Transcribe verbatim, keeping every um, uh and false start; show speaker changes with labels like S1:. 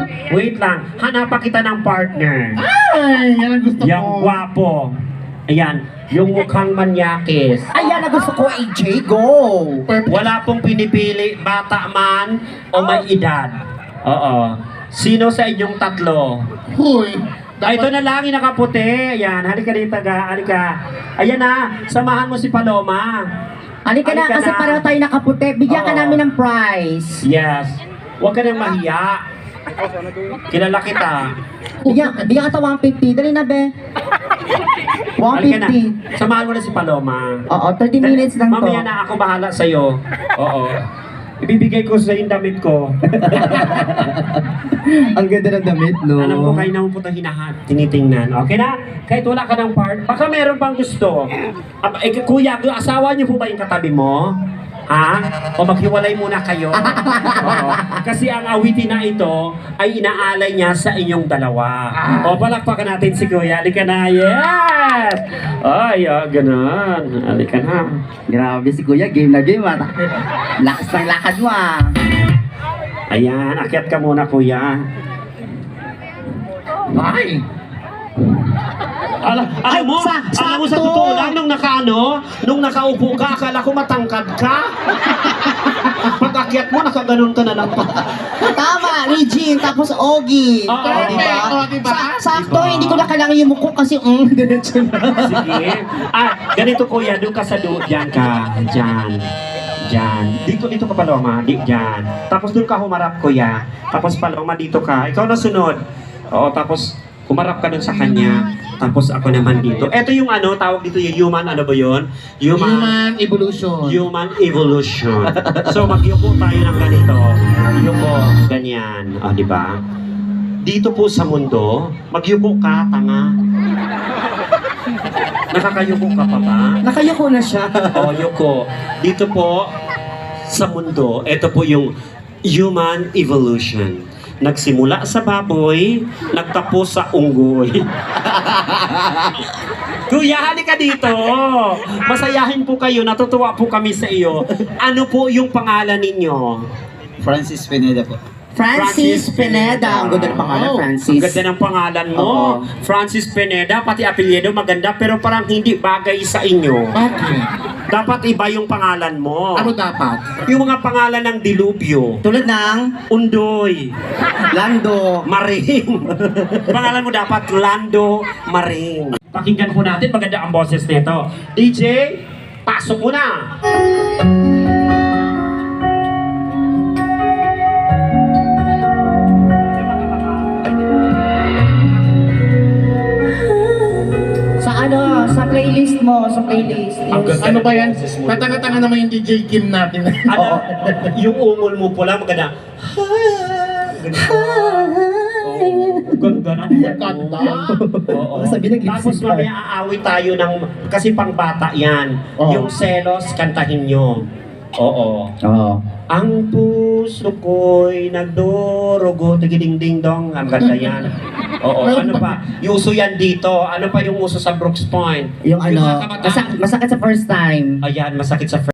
S1: Wait lang, hanapan kita ng partner.
S2: Ay, yan ang gusto
S1: Yung
S2: ko.
S1: gwapo. Ayan, yung mukhang manyakis.
S3: Ayan na gusto ko, A J, go!
S2: Perfect.
S1: Wala pong pinipili, bata man o may edad. Oo. Sino sa inyong tatlo?
S2: Huy.
S1: Ay, ito na lang, yung nakaputi. Ayan, halika dito, ga. Halika. Ayan na, samahan mo si Paloma.
S3: Halika na,
S1: Halika
S3: kasi
S1: na.
S3: pareho tayo nakaputi. Bigyan ka
S1: Oo.
S3: namin ng prize.
S1: Yes. Huwag ka nang mahiya. Kilala kita.
S3: Bigyan, bigyan ka sa one fifty. Dali na, be. one
S1: Halika na.
S3: fifty.
S1: Samahan mo na si Paloma.
S3: Oo, thirty minutes lang to.
S1: Mamaya na ako bahala sa'yo. Oo. Ibibigay ko sa yung damit ko.
S3: Ang ganda ng damit, no?
S1: Alam ko kayo naman po itong hinahat, tinitingnan. Okay na? Kahit wala ka ng part, baka meron pang gusto. Ah, eh, kuya, asawa niyo po ba yung katabi mo? Ha? O maghiwalay muna kayo? Oo. Kasi ang awitin na ito ay inaalay niya sa inyong dalawa. O palakpakan natin si kuya. Halika na. Yes! Ay, ah, ganun. Halika na.
S3: Grabe si Kuya, game na game, ah. Lakas ng lakad mo, ah.
S1: Ayan, akyat ka muna kuya.
S2: Ay.
S1: Ala, alam mo,
S3: Sa-
S1: alam mo sa
S3: sakto.
S1: totoo lang, nung nakaano, nung nakaupo ka, akala ko matangkad ka. Pag-akyat mo, nakaganon ka na lang pa.
S3: Tama, Regine, tapos Ogie.
S1: Oo,
S3: Oh, diba?
S2: Oo, diba?
S3: Sa- sakto,
S1: Diba?
S3: hindi ko na kailangan yung muko kasi, mm, diretso na.
S1: Sige. Ah, ganito kuya, doon ka sa doon, dyan ka, dyan. Dyan. Dito, dito ka Paloma, di, dyan. Tapos doon ka humarap kuya. Tapos Paloma, dito ka. Ikaw na sunod. Oo, tapos humarap ka doon sa kanya. Tapos ako naman dito. Ito yung ano, tawag dito yung human, ano ba yun?
S2: Human evolution.
S1: Human evolution. So magyuko tayo ng ganito. Yuko, ganyan. O, di ba? Dito po sa mundo, magyuko ka, tanga. Nakakayuko ka pa ba?
S3: Nakayuko na siya.
S1: O, yuko. Dito po sa mundo, ito po yung human evolution. Nagsimula sa baboy, nagtapos sa unggoy. Kuya, halika dito. Masayahin po kayo, natutuwa po kami sa iyo. Ano po yung pangalan ninyo?
S4: Francis Pineda po.
S3: Francis Pineda. Ang ganda ng pangalan,
S2: Oh,
S3: Francis.
S1: Ang ganda ng pangalan mo.
S3: Oo.
S1: Francis Pineda, pati apelyido maganda, pero parang hindi bagay sa inyo.
S2: Bakit?
S1: Dapat iba yung pangalan mo.
S2: Ano dapat?
S1: Yung mga pangalan ng dilubyo.
S3: Tulad ng
S1: Undoy,
S3: Lando.
S1: Maring. Pangalan mo dapat Lando Maring. Pakinggan po natin, maganda ang boses nito. D J, pasok mo na.
S3: Sa ano, sa playlist mo, sa playlist.
S1: Ang
S3: Yung-
S1: ganda.
S2: Ano ba yan? Katanga-tanga naman yung D J Kim natin.
S1: Ano? Yung ungol mo pula, maganda. Oo, ganda na.
S2: Ganda.
S1: Oo.
S3: Sabi ng
S1: Tapos
S3: lipstick
S1: mamaya aawit tayo ng, kasi pang bata yan.
S2: Oo.
S1: Yung selos, kantahin nyo. Oo.
S3: Oo.
S1: Ang puso ko'y nagdurugo, tigiding-ding dong. Ang ganda yan. Oo, ano pa? Yung uso yan dito. Ano pa yung uso sa Brooks Point?
S3: Yung ano,
S1: mga kabataan-
S3: masak- masakit sa first time.
S1: Ayan, masakit sa